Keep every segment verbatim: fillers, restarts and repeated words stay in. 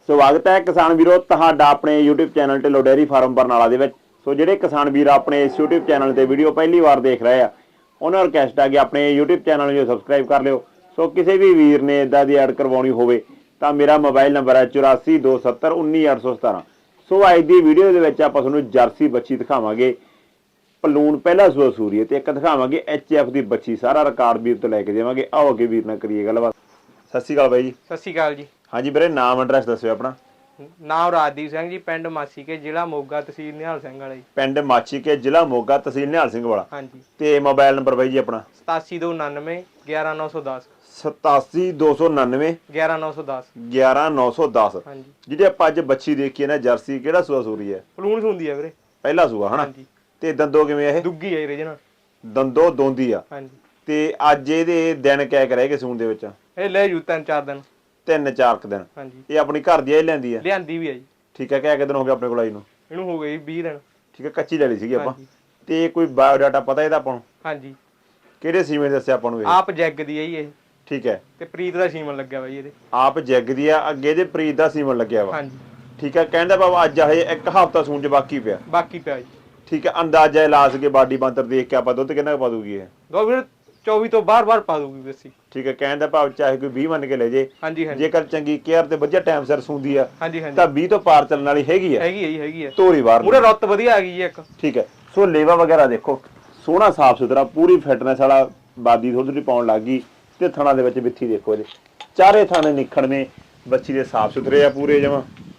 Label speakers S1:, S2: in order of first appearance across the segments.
S1: ਸਵਾਗਤ ਹੈ ਕਿਸਾਨ ਵੀਰੋ ਤੁਹਾਡਾ ਆਪਣੇ YouTube channel Dhillon dairy farm Barnala ਦੇ ਵਿੱਚ। ਸੋ ਜਿਹੜੇ ਕਿਸਾਨ ਵੀਰ ਆਪਣੇ ਇਸ YouTube ਚੈਨਲ ਤੇ ਵੀਡੀਓ ਪਹਿਲੀ ਵਾਰ ਦੇਖ ਰਹੇ ਆ ਉਹਨਾਂ ਨੂੰ ਰਿਕਵੈਸਟ ਹੈ ਕਿ ਆਪਣੇ YouTube ਚੈਨਲ ਨੂੰ ਸਬਸਕ੍ਰਾਈਬ ਕਰ ਲਿਓ। ਸੋ ਕਿਸੇ ਵੀ ਵੀਰ ਨੇ ਇਦਾਂ ਦੀ ਐਡ ਕਰਵਾਉਣੀ ਹੋਵੇ ਤਾਂ ਮੇਰਾ ਮੋਬਾਈਲ ਨੰਬਰ ਹੈ ਚੁਰਾਸੀ ਦੋ ਸੱਤਰ ਉੱਨੀ ਅੱਠ ਸੌ ਸਤਾਰਾਂ। ਸੋ ਅੱਜ ਦੀ ਵੀਡੀਓ ਦੇ ਵਿੱਚ ਆਪਾਂ ਤੁਹਾਨੂੰ ਜਰਸੀ ਬੱਚੀ ਦਿਖਾਵਾਂਗੇ, ਪਲੂਣ ਪਹਿਲਾ ਸੂਆ ਸੂਰੀ ਹੈ ਤੇ ਇੱਕ ਦਿਖਾਵਾਂਗੇ ਐਚ ਐਫ ਦੀ ਬੱਚੀ। ਸਾਰਾ ਰਿਕਾਰਡ ਵੀਰ ਤੋਂ ਲੈ ਕੇ ਦੇਵਾਂਗੇ। ਆਓ ਅੱਗੇ ਵੀਰ ਨਾਲ ਕਰੀਏ ਗੱਲਬਾਤ। ਸਤਿ ਸ਼੍ਰੀ ਅਕਾਲ ਬਾਈ ਜੀ।
S2: ਸਤਿ ਸ਼੍ਰੀ ਅਕਾਲ ਜੀ।
S1: ਹਾਂਜੀ ਵੀਰੇ, ਨਾਮ ਐਡਰੈਸ ਦੱਸਿਓ ਆਪਣਾ।
S2: ਨਾਮ ਰਾਜਦੀਪ ਸਿੰਘ ਜੀ, ਪਿੰਡ ਮਾਛੀਕੇ, ਜ਼ਿਲ੍ਹਾ ਮੋਗਾ, ਤਹਿਸੀਲ ਨਿਹਾਲ ਸਿੰਘ ਵਾਲਾ ਜੀ।
S1: ਪਿੰਡ ਮਾਛੀਕੇ, ਜ਼ਿਲ੍ਹਾ ਮੋਗਾ, ਤਹਿਸੀਲ ਨਿਹਾਲ ਸਿੰਘ ਵਾਲਾ।
S2: ਹਾਂਜੀ।
S1: ਤੇ ਮੋਬਾਈਲ ਨੰਬਰ ਬਾਈ ਜੀ ਆਪਣਾ
S2: ਸਤਾਸੀ ਦੋ ਉਨਾਨਵੇਂ ਗਿਆਰਾਂ ਨੌ ਸੌ ਦਸ।
S1: ਸਤਾਸੀ ਦੋ ਸੌ ਉਨਾਨਵੇਂ
S2: ਗਿਆਰਾਂ ਨੌ ਸੌ ਦਸ।
S1: ਗਿਆਰਾਂ ਨੌ ਸੌ ਦਸ।
S2: ਹਾਂਜੀ।
S1: ਜਿਹੜੀ ਆਪਾਂ ਅੱਜ ਬੱਚੀ ਦੇਖੀ ਹੈ ਨਾ ਜਰਸੀ, ਕਿਹੜਾ ਸੂਆ ਸੂਰੀ ਹੈ?
S2: ਪਲੂਣ ਹੁੰਦੀ ਹੈ ਵੀਰੇ,
S1: ਪਹਿਲਾ ਸੂਆ ਹਨਾ।
S2: ਹਾਂਜੀ।
S1: ਤੇ ਦੰਦੋ ਕਿਵੇਂ ਇਹ?
S2: ਦੁੱਗੀ ਹੈ ਵੀਰੇ ਜਨਾ,
S1: ਦੰਦੋ ਦੋਂਦੀ ਆ।
S2: ਹਾਂਜੀ।
S1: ਤੇ ਅੱਜ ਇਹਦੇ ਦਿਨ ਕਹਿ ਕੇ ਰਹਿ ਗਏ ਸੂਣ ਦੇ ਵਿੱਚ?
S2: ਇਹ ਲੈ ਜੂ ਤਿੰਨ ਚਾਰ ਦਿਨ।
S1: ਤਿੰਨ ਚਾਰ ਕੁ ਦਿਨ।
S2: ਹਾਂਜੀ।
S1: ਇਹ ਆਪਣੀ ਘਰ ਦੀ ਆ ਲੈਂਦੀ ਆ?
S2: ਲਿਆਂਦੀ ਵੀ ਹੈ ਜੀ।
S1: ਠੀਕ ਹੈ। ਕਿਹ ਦਿਨ ਹੋ ਗਏ ਆਪਣੇ ਕੋਲ ਆਈ ਨੂੰ?
S2: ਇਹਨੂੰ ਹੋ ਗਏ ਵੀਹ ਦਿਨ।
S1: ਠੀਕ ਹੈ, ਕੱਚੀ ਲੈ ਲਈ ਸੀਗੀ ਆਪਾਂ।
S2: ਹਾਂਜੀ।
S1: ਤੇ ਕੋਈ ਬਾਇਓਡਾਟਾ ਪਤਾ ਇਹਦਾ ਆਪਾਂ ਨੂੰ?
S2: ਹਾਂਜੀ।
S1: ਕਿਹੜੇ ਸੀਮੇ ਦੱਸਿਆ ਆਪਾਂ ਨੂੰ ਇਹ?
S2: ਆਪ ਜੈਗ ਦੀ ਹੈ ਜੀ ਇਹ।
S1: ਠੀਕ ਹੈ।
S2: ਤੇ ਪ੍ਰੀਤ ਦਾ ਸੀਮਨ ਲੱਗਿਆ ਬਾਈ ਇਹਦੇ।
S1: ਆਪ ਜੈਗ ਦੀ ਆ, ਅੱਗੇ ਇਹਦੇ ਪ੍ਰੀਤ ਦਾ ਸੀਮਨ ਲੱਗਿਆ ਵਾ।
S2: ਹਾਂਜੀ।
S1: ਠੀਕ ਹੈ। ਕਹਿੰਦਾ ਬਾਬਾ ਅੱਜ ਹਜੇ ਇੱਕ ਹਫ਼ਤਾ ਸੂਣ ਚ ਬਾਕੀ ਪਿਆ।
S2: ਬਾਕੀ ਪਿਆ ਜੀ।
S1: ਠੀਕ ਹੈ। ਅੰਦਾਜ਼ਾ ਲਾ ਸਕੇ ਬਾਡੀ ਬੰਤਰ ਦੇਖ ਕੇ ਆਪਾਂ ਦੁੱਧ ਕਿੰਨਾ ਪਾ ਦੂਗੀ ਇਹ?
S2: ਦੋ ਵੀਰੇ ਚੌਵੀ ਤੋਂ ਬਾਹਰ ਬਾਹਰ ਪਾ ਦੂਗੀ ਵੈਸੀ।
S1: ਠੀਕ ਹੈ। ਕਹਿਣ ਦਾ ਭਾਵ ਚਾਹੇ ਕੋਈ ਵੀਹ ਮੰਨ ਕੇ ਲੈ ਜੇ।
S2: ਹਾਂਜੀ ਹਾਂਜੀ।
S1: ਜੇਕਰ ਚੰਗੀ ਕੇਅਰ ਤੇ ਵਧੀਆ ਟਾਈਮ ਸਿਰ ਸੂੰਦੀ ਆ
S2: ਹਾਂਜੀ ਹਾਂਜੀ
S1: ਤਾਂ ਵੀਹ ਤੋਂ ਪਾਰ ਚੱਲਣ ਵਾਲੀ ਹੈਗੀ ਆ।
S2: ਹੈਗੀ ਹੈ ਜੀ, ਹੈਗੀ ਹੈ।
S1: ਤੋਰੀ ਬਾਹਰ
S2: ਪੂਰੇ ਰੁੱਤ ਵਧੀਆ ਆ ਗਈ ਜੀ ਇੱਕ।
S1: ਠੀਕ ਹੈ। ਸੋ ਲੇਵਾ ਵਗੈਰਾ ਦੇਖੋ, ਸੋਹਣਾ ਸਾਫ ਸੁਥਰਾ, ਪੂਰੀ ਫਿਟਨੈਸ ਵਾਲਾ, ਬਾਦੀ ਥੋੜੀ ਥੋੜੀ ਪਾਉਣ ਲੱਗ ਗਈ। ਤੇ ਥਣਾ ਦੇ ਵਿੱਚ ਬਿੱਥੀ ਦੇਖੋ ਇਹਦੇ, ਚਾਰੇ ਥਾਣੇ ਨਿਖੜਵੇਂ ਬੱਚੀ ਦੇ ਸਾਫ ਸੁਥਰੇ ਆ ਪੂਰੇ ਜਮਾਂ।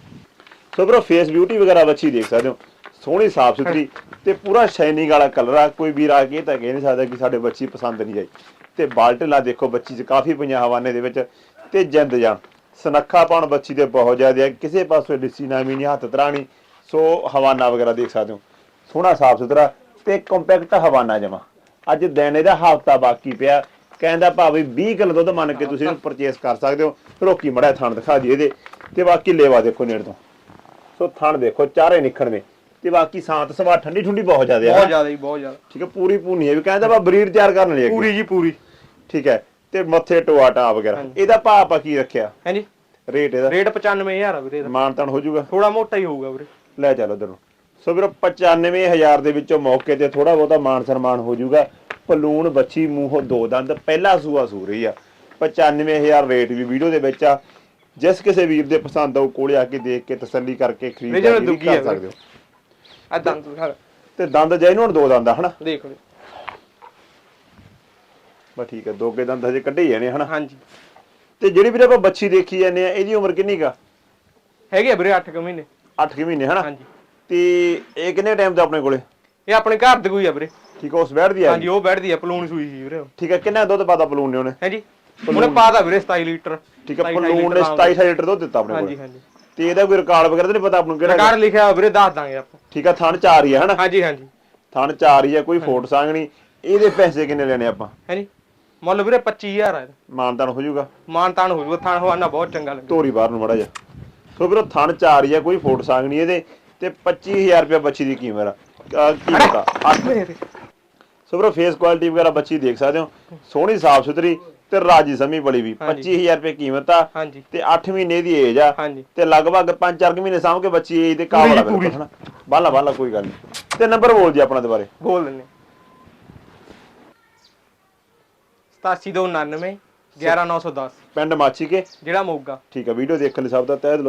S1: ਸੋ ਬਰੋ ਫੇਸ ਬਿਊਟੀ ਵਗੈਰਾ ਬੱਚੀ ਦੇਖ ਸਕਦੇ ਹੋ, ਸੋਹਣੀ ਸਾਫ ਸੁਥਰੀ ਤੇ ਪੂਰਾ ਸ਼ਾਈਨਿੰਗ ਵਾਲਾ ਕਲਰ ਆ। ਕੋਈ ਵੀਰ ਆ ਕੇ ਤਾਂ ਕਹਿ ਨਹੀਂ ਸਕਦਾ ਕਿ ਸਾਡੇ ਬੱਚੀ ਪਸੰਦ ਨਹੀਂ ਆਈ। ਤੇ ਬਾਲਟਲਾ ਦੇਖੋ ਬੱਚੀ 'ਚ ਕਾਫੀ ਪਈਆਂ ਹਵਾਨੇ ਦੇ ਵਿੱਚ। ਤੇ ਜਿੰਦ ਜਾਨ ਸਨੱਖਾ ਪਾਉਣ ਬੱਚੀ ਦੇ ਬਹੁਤ ਜ਼ਿਆਦਾ ਹੈ, ਕਿਸੇ ਪਾਸੋਂ ਡਿੱਸੀ ਨਾਮੀ ਨਹੀਂ, ਹੱਥ ਤਰਾਣੀ। ਸੋ ਹਵਾਨਾ ਵਗੈਰਾ ਦੇਖ ਸਕਦੇ ਹੋ, ਸੋਹਣਾ ਸਾਫ ਸੁਥਰਾ ਤੇ ਕੰਪੈਕਟ ਹਵਾਨਾ ਜਮਾ। ਅੱਜ ਦਿਨ ਇਹਦਾ ਹਫ਼ਤਾ ਬਾਕੀ ਪਿਆ। ਕਹਿੰਦਾ ਭਾਵੇਂ ਵੀਹ ਕਿਲੋ ਦੁੱਧ ਮੰਨ ਕੇ ਤੁਸੀਂ ਇਹਨੂੰ ਪਰਚੇਸ ਕਰ ਸਕਦੇ ਹੋ। ਰੋਕੀ ਮੜਾ ਥਣ ਦਿਖਾ ਦਈਏ ਇਹਦੇ। ਤੇ ਬਾਕੀ ਲੇਵਾ ਦੇਖੋ ਨੇੜ ਤੋਂ। ਸੋ ਥਣ ਦੇਖੋ ਚਾਰੇ ਨਿਖੜਵੇਂ ਤੇ ਬਾਕੀ ਸਾਂਤ ਸਵਾ ਠੰਡੀ ਠੁੰਡੀ ਬਹੁਤ ਜ਼ਿਆਦਾ
S2: ਬਹੁਤ ਜ਼ਿਆਦਾ ਜੀ, ਬਹੁਤ ਜ਼ਿਆਦਾ।
S1: ਠੀਕ ਹੈ। ਪੂਰੀ ਭੂਨੀ ਹੈ ਵੀ ਕਹਿੰਦਾ ਵਾ ਬਰੀਡ ਤਿਆਰ ਕਰਨ ਲਈ
S2: ਪੂਰੀ ਜੀ ਪੂਰੀ।
S1: ਠੀਕ ਹੈ। ਤੇ ਮੱਥੇ ਟੋਆ ਟਾ ਵਗੈਰਾ ਇਹਦਾ ਭਾਅ ਆਪਾਂ ਕੀ ਰੱਖਿਆ?
S2: ਹਾਂਜੀ।
S1: ਰੇਟ ਇਹਦਾ?
S2: ਰੇਟ ਪਚਾਨਵੇਂ ਹਜ਼ਾਰ ਆ ਵੀਰੇ ਦਾ।
S1: ਮਾਨਤਾਨ ਹੋ ਜਾਊਗਾ?
S2: ਥੋੜਾ ਮੋਟਾ ਹੀ ਹੋਊਗਾ ਵੀਰੇ। ਲੈ
S1: ਚੱਲ ਉਧਰ ਨੂੰ। ਸੋ ਵੀਰੋ ਪਚਾਨਵੇਂ ਹਜ਼ਾਰ ਦੇ ਵਿੱਚੋਂ ਮੌਕੇ ਤੇ ਥੋੜਾ ਬਹੁਤਾ ਮਾਨ ਸਨਮਾਨ ਹੋ ਜਾਊਗਾ। ਪਲੂਣ ਬੱਚੀ ਮੂੰਹੋਂ ਦੋ ਦੰਦ, ਪਹਿਲਾ ਸੂਆ ਸੂ ਰਹੀ ਆ। ਪਚਾਨਵੇਂ ਹਜ਼ਾਰ ਰੇਟ ਵੀ ਵੀਡੀਓ ਦੇ ਵਿੱਚ ਆ। ਜਿਸ ਕਿਸੇ ਵੀਰ ਦੇ ਪਸੰਦ ਆਊ ਕੋਲੇ ਆ ਕੇ ਦੇਖ ਕੇ ਤਸੱਲੀ ਕਰਕੇ ਖਰੀਦ ਕਰ ਸਕਦੇ ਹੋ।
S2: ਆ ਦੰਦ ਦਿਖਾ
S1: ਤੇ ਦੰਦ ਜੈਨੂਨ ਦੋ ਦੰਦ ਆ ਹਨਾ?
S2: ਦੇਖ ਲਓ
S1: ਬਸ ਠੀਕ ਹੈ। ਦੋਗੇ ਦੰਦ ਹਜੇ ਕੱਢੇ ਜਾਣੇ ਹਨਾ?
S2: ਹਾਂਜੀ।
S1: ਤੇ ਜਿਹੜੀ ਵੀਰੇ ਆਪਾਂ ਬੱਚੀ ਦੇਖੀ ਜਾਂਦੇ ਆ, ਇਹਦੀ ਉਮਰ ਕਿੰਨੀ ਕਾ
S2: ਹੈਗੀ ਆ ਵੀਰੇ? ਅੱਠ ਕੁ ਮਹੀਨੇ।
S1: ਅੱਠ ਕੁ ਮਹੀਨੇ ਹਨਾ?
S2: ਹਾਂਜੀ।
S1: ਤੇ ਇਹ ਕਿੰਨੇ ਟਾਈਮ ਤੋਂ ਆਪਣੇ ਕੋਲੇ?
S2: ਇਹ ਆਪਣੇ ਘਰ ਦੇ ਕੋਈ ਆ ਵੀਰੇ।
S1: ਠੀਕ ਹੈ। ਉਸ ਬੈਠਦੀ ਆ?
S2: ਹਾਂਜੀ, ਉਹ ਬੈਠਦੀ ਆ। ਪਲੂਣ ਸੂਈ ਸੀ ਵੀਰੇ।
S1: ਠੀਕ ਹੈ। ਕਿੰਨਾ ਦੁੱਧ ਪਾਤਾ ਪਲੂਣ ਨੇ ਉਹਨੇ?
S2: ਹਾਂਜੀ, ਉਹਨੇ ਪਾਤਾ ਵੀਰੇ ਸਤਾਈ ਲੀਟਰ।
S1: ਠੀਕ ਹੈ। ਪਲੂਣ ਨੇ ਸਤਾਈ ਲੀਟਰ ਦੁੱਧ ਦਿੱਤਾ ਆਪਣੇ ਕੋਲ।
S2: ਹਾਂਜੀ ਹਾਂਜੀ।
S1: ਤੇ ਇਹਦਾ ਕੋਈ ਰਿਕਾਰਡ ਵਗੈਰਾ ਤਾਂ ਨਹੀਂ ਪਤਾ ਆਪਾਂ ਨੂੰ? ਕਿਹੜਾ
S2: ਰਿਕਾਰਡ ਲਿਖਿਆ ਵੀਰੇ ਦੱਸ ਦਾਂਗੇ ਆਪਾਂ।
S1: ਠੀਕ ਹੈ। ਥਣ ਚਾਰ ਹੀ ਆ ਹਨਾ?
S2: ਹਾਂਜੀ ਹਾਂਜੀ।
S1: ਥਣ ਚਾਰ ਹੀ ਆ, ਕੋਈ ਫੋਟ ਸੰਗਣੀ। ਇਹਦੇ ਪੈਸੇ ਕਿੰਨੇ ਲੈਣੇ ਆਪਾਂ?
S2: ਹਾਂਜੀ, ਮੁੱਲ ਵੀਰੇ ਪੱਚੀ ਹਜ਼ਾਰ ਆ।
S1: ਮਾਨਤਾਨ ਹੋ ਜਾਊਗਾ?
S2: ਮਾਨਤਾਨ ਹੋ ਜਾਊਗਾ। ਥਣ ਹਵਾਨਾ ਬਹੁਤ ਚੰਗਾ ਲੱਗਦਾ।
S1: ਤੋਰੀ ਬਾਹਰ ਨੂੰ ਮੜਾ ਜਾ। ਸੋ ਵੀਰੋ ਥਣ ਚਾਰ ਹੀ ਆ, ਕੋਈ ਫੋਟ ਸੰਗਣੀ ਇਹਦੇ। ਤੇ ਪੱਚੀ ਹਜ਼ਾਰ ਰੁਪਇਆ ਬੱਚੀ ਦੀ ਕੀਮਤ ਆ। ਕੀਮਤ ਆ। ਸੋ ਵੀਰੋ ਫੇਸ ਕੁਆਲਿਟੀ ਵਗੈਰਾ ਬੱਚੀ ਦੇਖ ਸਕਦੇ ਹੋ, ਸੋਹਣੀ ਸਾਫ ਸੁਥਰੀ ਤੇ ਰਾਜੀ ਸਮੀ ਬੜੀ ਵੀ। ਪੱਚੀ ਹਜ਼ਾਰ ਰੁਪਏ ਕੀਮਤ ਆ।
S2: ਹਾਂਜੀ।
S1: ਤੇ ਅੱਠ ਮਹੀਨੇ ਦੀ ਏਜ ਆ।
S2: ਹਾਂਜੀ।
S1: ਤੇ ਲਗਭਗ ਪੰਜ ਚਾਰ ਮਹੀਨੇ ਸਾਂਭ ਕੇ ਬੱਚੀ ਏਜ ਦੇ ਕਾਬਲ ਆ ਬਿਲਕੁਲ ਹਨਾ? ਬਾਲਾ ਬਾਲਾ ਕੋਈ ਗੱਲ ਨਹੀਂ। ਤੇ ਨੰਬਰ ਬੋਲ ਜੀ ਆਪਣਾ ਦੁਬਾਰੇ।
S2: ਬੋਲ ਦਿੰਦੇ। ਸਤਾਸੀ ਦੋ ਉਨਾਨਵੇਂ ਗਿਆਰਾਂ ਨੌ ਸੌ ਦਸ।
S1: ਪਿੰਡ ਮਾਛੀਕੇ,
S2: ਜਿਹੜਾ ਮੋਗਾ।
S1: ਠੀਕ ਹੈ। ਵੀਡੀਓ ਦੇਖਣ ਲਈ ਸਭ ਦਾ ਤਹਿ ਦਿਲੋਂ